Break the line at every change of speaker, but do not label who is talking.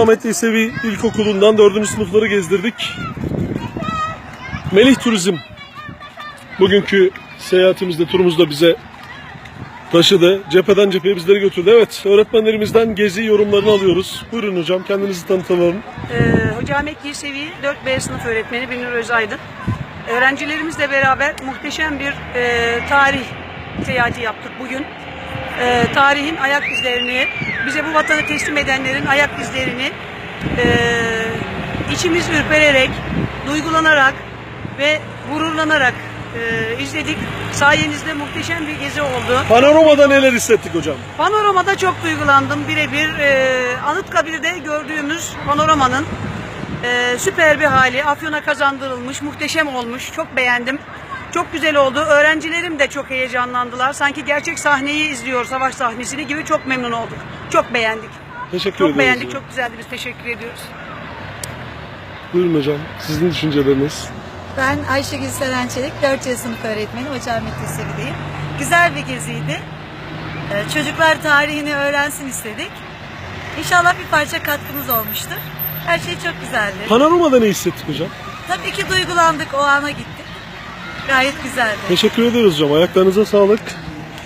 Sultanahmet Yesevi İlkokulu'ndan 4. sınıfları gezdirdik. Melih Turizm bugünkü seyahatimizde, turumuzda bize taşıdı. Cepheden cepheye bizleri götürdü. Evet, öğretmenlerimizden gezi yorumlarını alıyoruz. Buyurun hocam, kendinizi tanıtalım.
Hocam Yesevi 4B sınıf öğretmeni Binur Özaydın. Öğrencilerimizle beraber muhteşem bir tarih seyahati yaptık bugün. Tarihin ayak izlerini, bize bu vatanı teslim edenlerin ayak izlerini içimiz ürpererek, duygulanarak ve gururlanarak izledik. Sayenizde muhteşem bir gezi oldu.
Panoramada neler hissettik hocam?
Panoramada çok duygulandım. Birebir Anıtkabir'de gördüğümüz panoramanın süper bir hali. Afyon'a kazandırılmış, muhteşem olmuş. Çok beğendim. Çok güzel oldu. Öğrencilerim de çok heyecanlandılar. Sanki gerçek sahneyi izliyor, savaş sahnesini gibi çok memnun olduk. Çok beğendik.
Teşekkür
Çok
ederiz.
beğendik,
Hocam.
çok güzeldi. Biz teşekkür ediyoruz.
Buyurun hocam, sizin düşünceleriniz.
Ben Ayşegül Serençelik, 4C sınıf öğretmeni, Hocamet Yesevi'deyim. Güzel bir geziydi. Çocuklar tarihini öğrensin istedik. İnşallah bir parça katkımız olmuştur. Her şey çok güzeldi.
Panoramada ne hissettik hocam?
Tabii ki duygulandık, o ana gittik. Gayet güzeldi.
Teşekkür ederiz hocam, ayaklarınıza sağlık.